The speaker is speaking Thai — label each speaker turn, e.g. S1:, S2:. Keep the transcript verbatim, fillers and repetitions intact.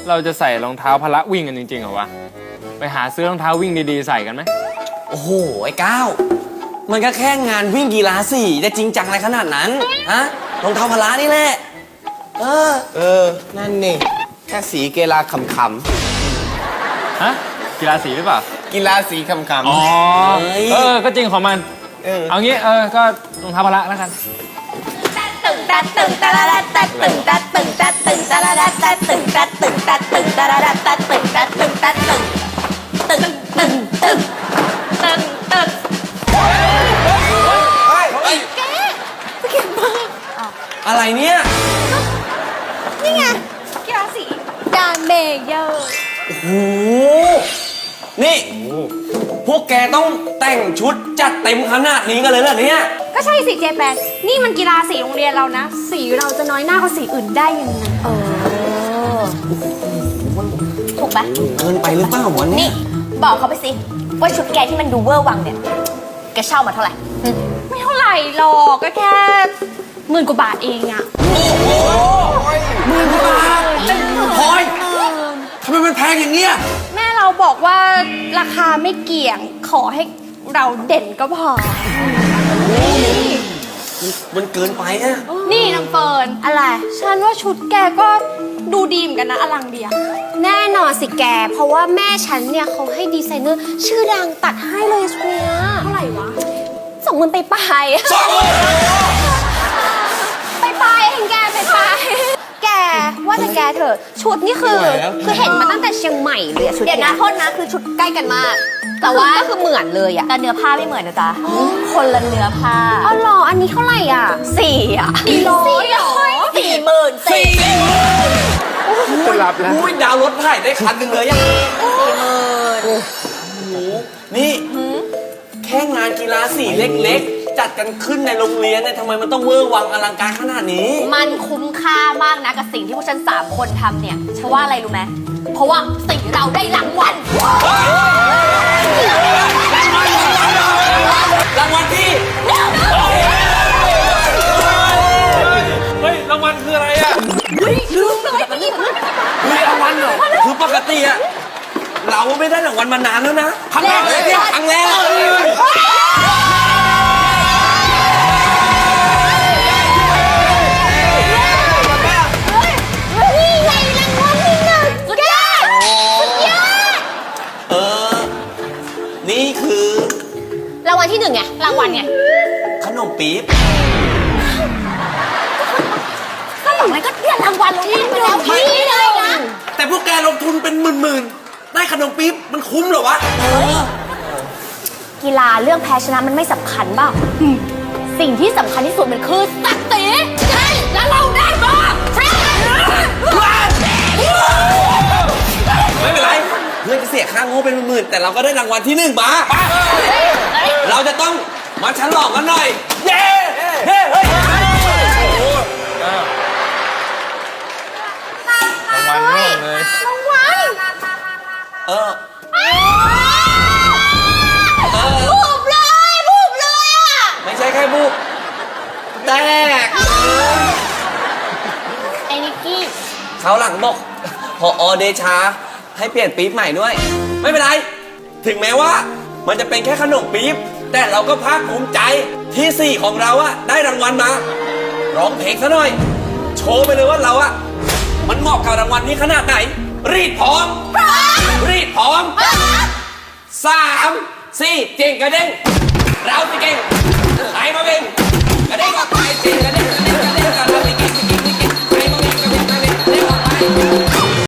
S1: เราจะใส่รองเท้าพละวิ่งกันจริงๆเหรอวะไปหาซื้อรองเท้าวิ่งดีๆใส่กันไหม
S2: โอ้โหไอ้ก้าวมันก็แค่งานวิ่งกีฬาสี่จะจริงจังอะไรขนาดนั้นฮะรองเท้าพละนี่แหละเออ
S3: เออนั่นนี่แค่สีกีฬาขำ
S1: ฮะกีฬาสีหรือเปล่า
S3: ๆกีฬาสีขำๆ
S1: อ๋อเออก็จริงของมัน
S3: เออ
S1: เอางี้เออก็รองเท้าพละแล้วกัน
S4: ตึงตัดตึงตะละตัดตึงตัดตึงตัดตึงตะละตัดตึงตัดตึงตัดตึงตะละตัดตึงตัดตึงตัดตึงตึงตึงตึงตึงตึงแกสเก็ตบอร์ด
S2: อะไรเนี่ย
S4: นี่ไงกีฬาสีดานเมเยอร์
S2: โอ้โหนี่พวกแกต้องแต่งชุดจัดเต็มขนาดนี้กันเลยเหรอเนี่ย
S4: ก็ใช่สิเจแปนนี่มันกีฬาสีโรงเรียนเรานะสีเราจะน้อยหน้ากว่าสีอื่นได้ยังไงเออถูกปะ
S2: เกินไปหรือเปล่าวะเนี่
S4: นี่
S2: ย
S4: บอกเขาไปสิว่าชุดแกที่มันดูเวอร์วังเนี่ยแกเช่ามาเท่าไหร่ไม่เท่าไหร่หรอกก็แค่หมื่นกว่าบาทเองอะ
S2: หมื่นกว่าบาทพลอยทำไมมันแพงอย่างเงี้ย
S4: แม่เราบอกว่าราคาไม่เกี่ยงขอให้เราเด่นก็พอ
S2: มันเกินไปอะ
S4: นี่น้ำเฟิร์นอะไรฉันว่าชุดแกก็ดูดีเหมือนกันนะอลังเดียแน่นอนสิแกเพราะว่าแม่ฉันเนี่ยเขาให้ดีไซเนอร์ชื่อดังตัดให้เลยชุดเนี้ยเท่าไหร่วะสองหมื่นไปไป
S2: สองหมื่น
S4: ไปไปเองแกไปไปแกว่าแต่แกเถอะชุดนี่คือคือเห็นมาตั้งแต่เชียงใหม่เลยชุดเดี๋ยวนะโทษนะคือชุดใกล้กันมากแต่ว่าก็คือเหมือนเลยอะแต่เนื้อผ้าไม่เหมือนนะจ๊ะคนละเนื้อผ้าอ๋อหรออันนี้เท่าไหร่อ่ะสี่อ่ะสี่ร้อยสี่หมื่นสี่
S1: จะรับแล้ว
S2: อุ้ยดาวรถไถได้คันหนึ่งเลยยังสี่
S4: หมื่น
S2: โอ้โหนี่แค่งานกีฬาสีเล็กๆจัดกันขึ้นในโรงเรียนเนี่ยทำไมมันต้องเวอร์วังอลังการขนาดนี้
S4: มันคุ้มค่ามากนะกับสิ่งที่พวกฉันสามคนทำเนี่ยฉันว่าอะไรรู้ไหมเพราะว่าสิ่งเราได้รางวัล
S2: รางวัลที่
S1: เฮ้ยรางวัลคืออะไรอ่ะ
S4: ลืมเลยไปหยิบ
S2: มีรางวัลเหรอคือปกติอะเราไม่ได้รางวัลมานานแล้วนะครั้งแรกเลยเนี่ยครั้งแรก
S4: นี่ไงรางวัลที่หนึ่งสุดยอดสุดยอด
S2: เออนี่คือ
S4: รางวัลที่หนึ่งไงรางวัลไง
S2: ขนมปี๊บ
S4: ก็หลังนั้นก็เรียกรางวัลที่หนึ่งที่เลยนะ
S2: แต่พวกแกลงทุนเป็นหมื่นๆได้ขนมปี๊บมันคุ้มเหรอวะ
S4: กีฬาเรื่องแพ้ชนะมันไม่สำคัญเปล่าสิ่งที่สำคัญที่สุดมันคือศักดิ์ศรีใช่แล้วเราได้บ้างใช่
S2: ไม่เป็นไรเพื่อนจะเสียค่าโง่เป็นหมื่นๆแต่เราก็ได้รางวัลที่หนึ่งมาเราจะต้องมาฉลองกันหน่อยเย้เฮ้เฮ้ย
S1: รางวัลโง่เลย
S4: รางวัล
S2: เออ
S4: บูบเลยบูบเลยอ่ะ
S2: ไม่ใช่แค่บูบแตก
S4: ไอ้นิกกี้
S2: เขาหลังบอกพออเดชาให้เปลี่ยนปี๊บใหม่ด้วยไม่เป็นไรถึงแม้ว่ามันจะเป็นแค่ขนมปี๊บแต่เราก็ภาคภูมิใจที่สี่ของเราอะได้รางวัลมาร้องเพลงซะหน่อยโชว์ไปเลยว่าเราอะมันเหมาะกับรางวัลนี้ขนาดไหนรีดพร้อมรีดพร้อมสามสี่เจ๋งกระเด้งเราจะเก่งใครมาเป็น